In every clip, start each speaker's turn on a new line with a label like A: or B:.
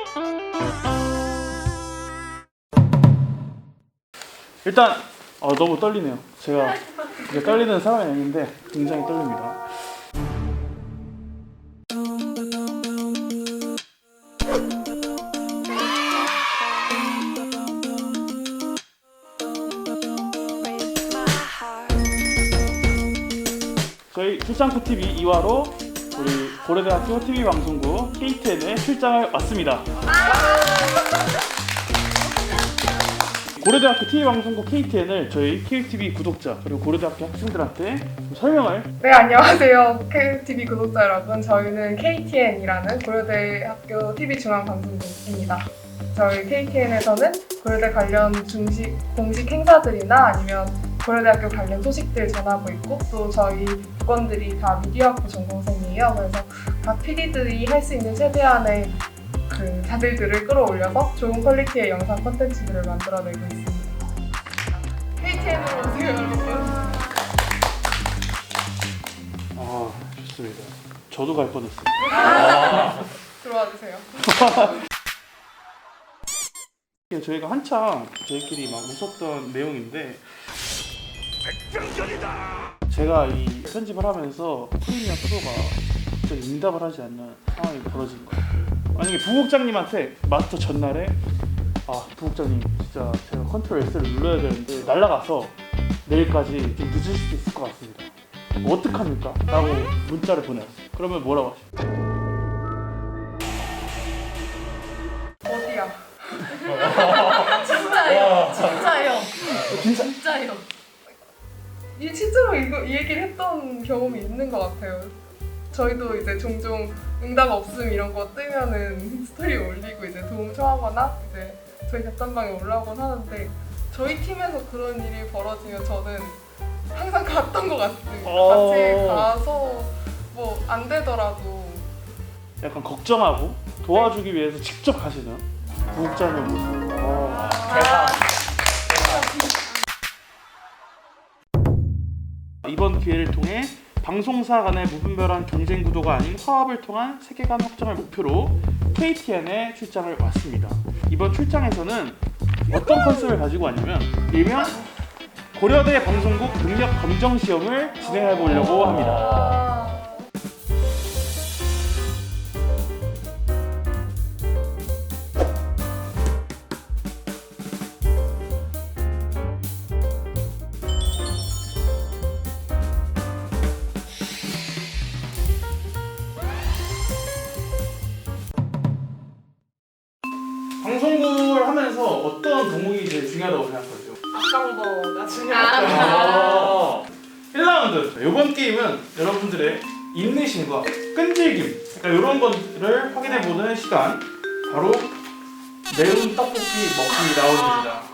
A: 일단 너무 떨리네요. 제가 떨리는 사람이 아닌데 굉장히 떨립니다. 저희 출장코TV 2화로 우리 고려대학교 TV방송국 KTN에 출장을 왔습니다. 고려대학교 TV방송국 KTN을 저희 KTV 구독자 그리고 고려대학교 학생들한테 좀 설명을.
B: 네, 안녕하세요. KTV 구독자 여러분. 저희는 KTN이라는 고려대학교 TV중앙방송국입니다. 저희 KTN에서는 고려대 관련 공식 행사들이나 아니면 고려대학교 관련 소식들 전하고 있고, 또 저희 부원들이 다 미디어학부 전공생이에요. 그래서 각 PD들이 할 수 있는 최대한의 그 자질들을 끌어올려서 좋은 퀄리티의 영상 콘텐츠들을 만들어내고 있습니다. KTN으로 오세요, 여러분.
A: 좋습니다. 저도 갈 뻔했어요.
B: 들어와 주세요.
A: 저희가 한창 저희끼리 막 웃었던 내용인데, 백병전이다! 제가 이 편집을 하면서 프리미어 프로가 갑자기 응답을 하지 않는 상황이 벌어진 거예요. 만약에 부국장님한테 마스터 전날에 부국장님 진짜 제가 컨트롤 S를 눌러야 되는데 날아가서 내일까지 좀 늦을 수도 있을 것 같습니다. 어떡합니까? 라고 문자를 보내왔어요. 그러면 뭐라고 하시죠?
B: 어디야?
C: 진짜요.
B: 이 실제로 이 얘기를 했던 경험이 있는 것 같아요. 저희도 이제 종종 응답 없음 이런 거 뜨면은 스토리 올리고 이제 도움 청하거나 이제 저희 답단방에 올라오곤 하는데, 저희 팀에서 그런 일이 벌어지면 저는 항상 갔던 것 같습니다. 같이 가서 뭐 안 되더라도
A: 약간 걱정하고 도와주기 위해서 직접 가시는 부국장님 모습. 이번 기회를 통해 방송사 간의 무분별한 경쟁 구도가 아닌 화합을 통한 세계관 확장을 목표로 KTN에 출장을 왔습니다. 이번 출장에서는 어떤 컨셉을 가지고 왔냐면, 일명 고려대 방송국 능력 검정 시험을 진행해 보려고 합니다. 방송국을 하면서 어떤 동목이 제일 중요하다고 생각하세요?
B: 악강버가 중요하다.
A: 1라운드. 이번 게임은 여러분들의 인내심과 끈질김, 그러니까 이런 것들을 확인해보는 시간, 바로 매운 떡볶이 먹기 라운드입니다.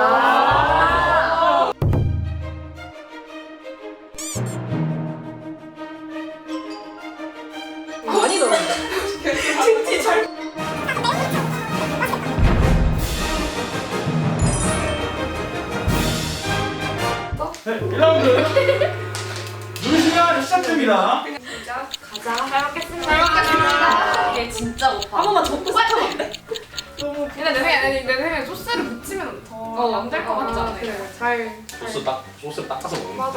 C: 많이 넣었는데.
A: 네, 1라운드 누르시면 시작됩니다.
C: 가자. 잘 먹겠습니다. 이게 진짜 높아. 한 번만 접고 시켜면 안 돼?
B: 근데 내 생각에 소스를 묻히면 더 안 될 것 같지 않아요? 그래,
D: 소스 닦아서 먹는
B: 맞아.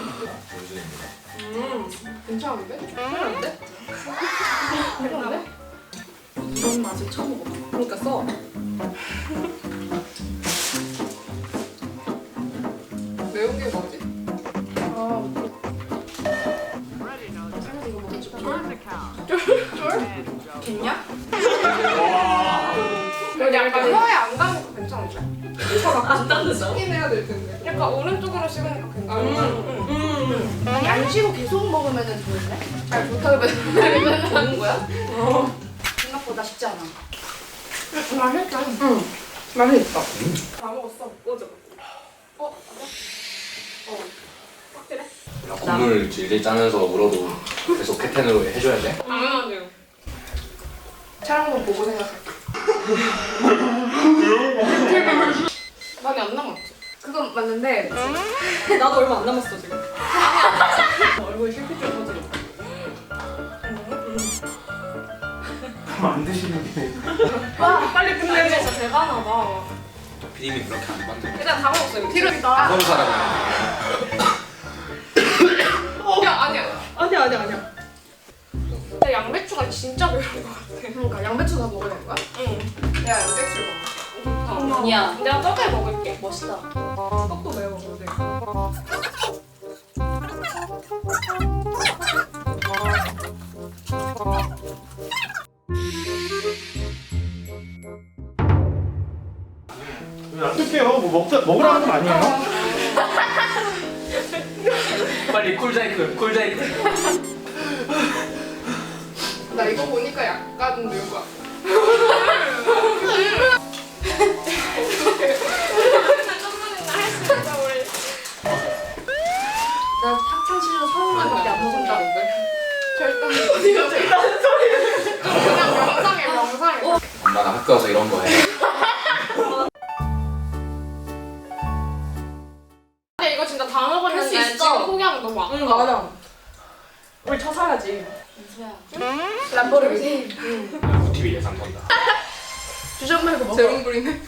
D: 본순입니다.
B: 괜찮은데? 괜찮은데? 괜찮은데?
C: 이런 맛을 처음 먹어봐.
B: 그러니까 써. 매운 게 뭐지?
C: 겠냐?
B: 근데 약간 혀에 안 닿는 거 괜찮은데?
C: 안 닿는다.
B: 섞긴 해야 될 텐데. 약간 오른쪽으로 씹으니까 괜찮아.
C: 아니 안 쉬고 계속 먹으면은 좋은데?
B: 아니 좋다고
C: 먹는 거야? 생각보다 쉽지 않아.
B: 맛있다. 응. 맛있다. 다 먹었어. 꺼져. 확실해?
D: 국물 질질 짜면서 물어도 계속 캐텐으로 해줘야 돼?
B: 당연하네요. 촬영본 보고 생각할게. 많이 안 남았지? 그건 맞는데
C: 나도 얼마 안 남았어 지금.
B: 얼굴 실핏 좀 터지고.
A: 안 드시는 게
C: 이상하다.
D: 피디님 그렇게 안 만들어.
C: 일단 다 먹었어요.
B: 티르다.
D: 그런 사람이
C: 아니야. 근데 양배추가 진짜 매운 것 같아.
B: 그러니까 양배추 다 먹어야 되는 거야?
C: 응.
B: 내가 양배추를 먹어.
C: 아니야. 내가 저게 먹을게. 멋있다.
B: 떡도 매워 근데.
A: 놔둘게요. 뭐 먹으라는 건 아니에요.
D: 빨리 쿨자이크.
B: 나 이거 보니까 약간 매운 거 같아.
C: 나 학창 시절 서울말밖에 안 먹었다.
B: 어디가 제일 나는 소리? 그냥 명상해.
D: 엄마 나 학교 와서 이런 거 해.
C: 근데 이거 진짜 다
B: 할수
C: 먹었는데
B: 있어.
C: 지금 포기하면 너무 아까.
B: 응 맞아. 우리 쳐 살아야지.
C: 민수야.
B: 람보르기니.
D: TV 예상 본다.
B: 주전 말고 먹어. 재롱 부리네.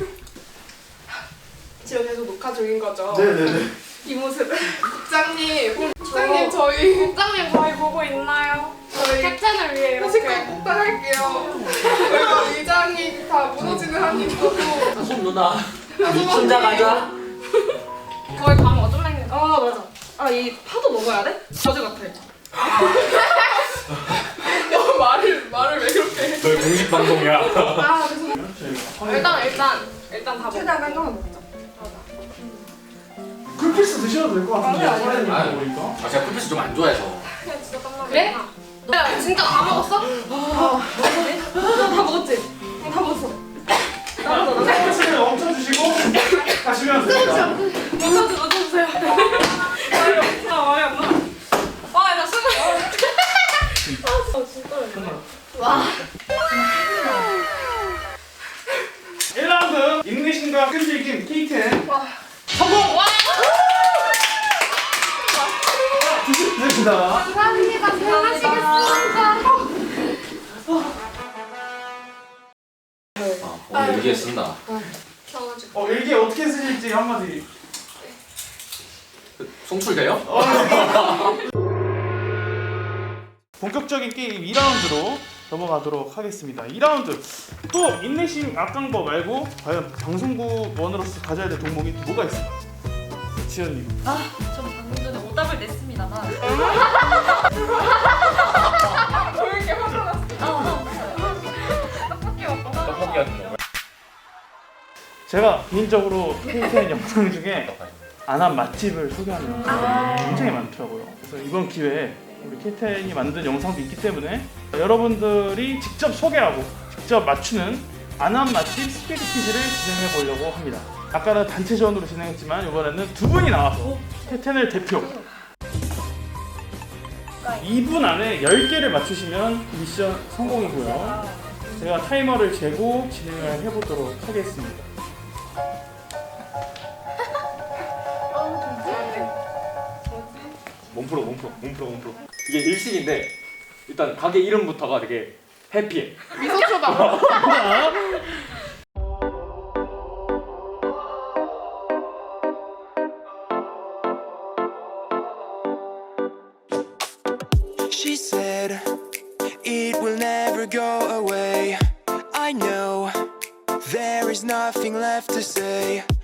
B: 지금 계속 녹화 중인 거죠?
A: 네네네.
B: 이 모습. 국장님 저희
C: 국장님 저희 보고 있나요?
B: 저희
C: 캡틴을 위해
B: 회식 때
C: 이렇게.
B: 꼭 따갈게요. 그리고 의장이 다 무너지는 한입 거고.
E: 손 누나 손자 가자.
C: 거의 다 먹어. 좀만 있는 거.
B: 아 맞아. 아 이 파도 먹어야 돼? 저주 같아. 너 말을 왜 그렇게 해?
D: 너희 공식 방송이야.
B: 아 그래서
C: 일단 다 먹어.
B: 최대한 깔끔한 먹자.
A: 쿨피스 드셔도 될 것 같은데.
B: 아니, 아니,
A: 사장님
D: 아니.
A: 먹으니까.
D: 아 제가 쿨피스 좀 안 좋아해서.
C: 그냥 진짜 깜짝
B: 그래?
C: 야, 진짜 다 먹었어?
B: 다 먹었지? 응, 다 먹었어.
A: 쿨피스를 엄청 주시고 가시면 됩니다.
C: 넣어주세요. 말이 없어, 말이 안 나. 나 숨을. 진짜.
A: 1라운드 인내심과 끈질긴 K10 성공! 드십니다.
B: 감사합니다. 잘 마시겠습니다.
D: 오늘 일기에 쓴다.
A: 일기 어떻게 쓰실지 한마디.
D: 송출돼요?
A: 본격적인 게임 2라운드로 넘어가도록 하겠습니다. 2라운드 또 인내심 악한 거 말고 과연 방송국원으로서 가져야 될 동목이 또 뭐가 있을까? 지연님.
C: 전 방금 전에 오답을 냈습니다만.
B: 왜 이렇게 화가 났어?
C: 떡볶이 먹고.
D: 떡볶이 같은 거.
A: 제가 개인적으로 K10 영상 중에 안 한 맛집을 소개하는 영상이 굉장히 많더라고요. 그래서 이번 기회에 우리 K10이 만든 영상도 있기 때문에 여러분들이 직접 소개하고 직접 맞추는 안 한 맛집 스피드 퀴즈를 진행해 보려고 합니다. 아까는 단체전으로 진행했지만 이번에는 두 분이 나와서 K10을 대표 2분 안에 10개를 맞추시면 미션 성공이고요. 제가 타이머를 재고 진행을 해보도록 하겠습니다.
E: 몸프로. 이게 일식인데 일단 가게 이름부터가 되게 해피해.
B: 미소 쳐봐.
F: She said it will never go away. I know there is nothing left to say.